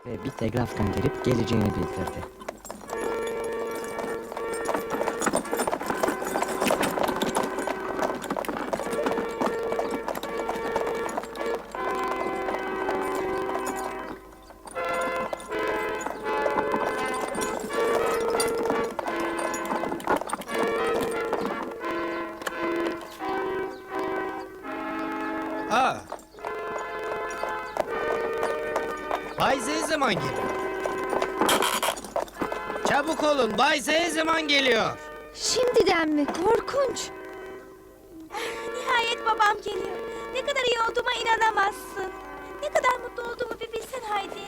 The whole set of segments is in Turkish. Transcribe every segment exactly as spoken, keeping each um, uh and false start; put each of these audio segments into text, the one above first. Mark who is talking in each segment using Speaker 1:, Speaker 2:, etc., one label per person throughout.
Speaker 1: ve bir telgraf gönderip geleceğini bildirdi.
Speaker 2: Aa. Bay Z zaman geliyor. Çabuk olun, Bay Z zaman geliyor.
Speaker 3: Şimdiden mi? Korkunç.
Speaker 4: Nihayet babam geliyor. Ne kadar iyi olduğuma inanamazsın. Ne kadar mutlu olduğumu bir bilsen Haydi.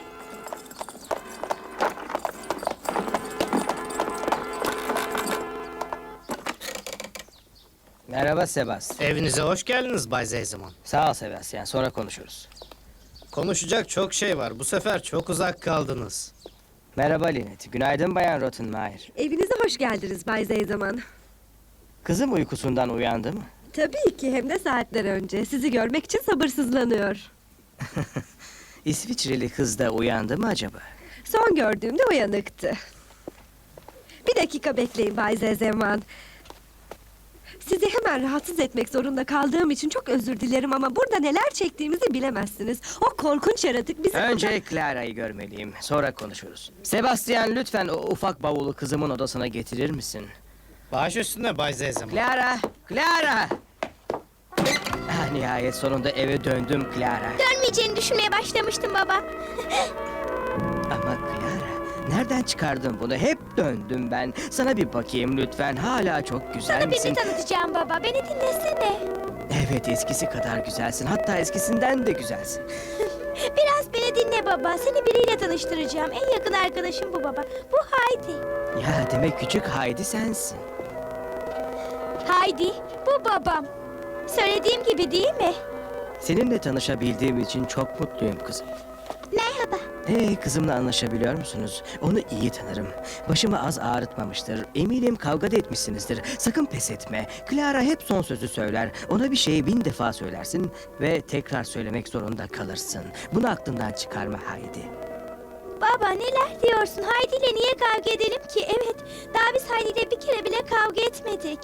Speaker 1: Merhaba Sebastian.
Speaker 2: Evinize hoş geldiniz Bay Z zaman.
Speaker 1: Sağ ol Sebastian, sonra konuşuruz.
Speaker 2: Konuşacak çok şey var. Bu sefer çok uzak kaldınız.
Speaker 1: Merhaba Linet, günaydın Bayan Rottenmeier.
Speaker 3: Evinize hoş geldiniz Bay Zeyzaman.
Speaker 1: Kızım uykusundan uyandı mı?
Speaker 3: Tabii ki, hem de saatler önce. Sizi görmek için sabırsızlanıyor.
Speaker 1: İsviçreli kız da uyandı mı acaba?
Speaker 3: Son gördüğümde uyanıktı. Bir dakika bekleyin Bay Zeyzaman. Sizi hemen rahatsız etmek zorunda kaldığım için çok özür dilerim ama burada neler çektiğimizi bilemezsiniz. O korkunç yaratık bizi...
Speaker 1: Önce Clara'yı görmeliyim, sonra konuşuruz. Sebastian, lütfen o ufak bavulu kızımın odasına getirir misin?
Speaker 2: Baş üstüne Bay Z zaman.
Speaker 1: Clara! Clara! Ah, nihayet sonunda eve döndüm Clara.
Speaker 4: Dönmeyeceğini düşünmeye başlamıştım baba.
Speaker 1: Ama Clara, nereden çıkardın bunu? Hep döndüm ben. Sana bir bakayım lütfen. Hala çok güzel
Speaker 4: Sana
Speaker 1: misin?
Speaker 4: birini tanıtacağım baba. Beni dinlesene.
Speaker 1: Evet, eskisi kadar güzelsin. Hatta eskisinden de güzelsin.
Speaker 4: Biraz beni dinle baba. Seni biriyle tanıştıracağım. En yakın arkadaşım bu baba. Bu Haydi.
Speaker 1: Ya demek küçük Haydi sensin.
Speaker 4: Haydi, bu babam. Söylediğim gibi değil mi?
Speaker 1: Seninle tanışabildiğim için çok mutluyum kızım.
Speaker 4: Merhaba.
Speaker 1: Hey, kızımla anlaşabiliyor musunuz? Onu iyi tanırım. Başımı az ağrıtmamıştır. Eminim kavga da etmişsinizdir. Sakın pes etme. Clara hep son sözü söyler. Ona bir şeyi bin defa söylersin ve tekrar söylemek zorunda kalırsın. Bunu aklından çıkarma Haydi.
Speaker 4: Baba neler diyorsun? Haydi ile niye kavga edelim ki? Evet, daha biz Haydi ile bir kere bile kavga etmedik.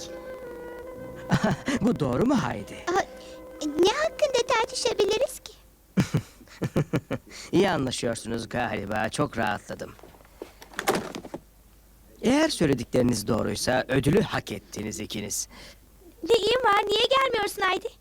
Speaker 1: Bu doğru mu Haydi?
Speaker 4: Ne hakkında tartışabiliriz ki?
Speaker 1: İyi anlaşıyorsunuz galiba. Çok rahatladım. Eğer söyledikleriniz doğruysa ödülü hak ettiniz ikiniz.
Speaker 4: Neyin var? Niye gelmiyorsun Haydi?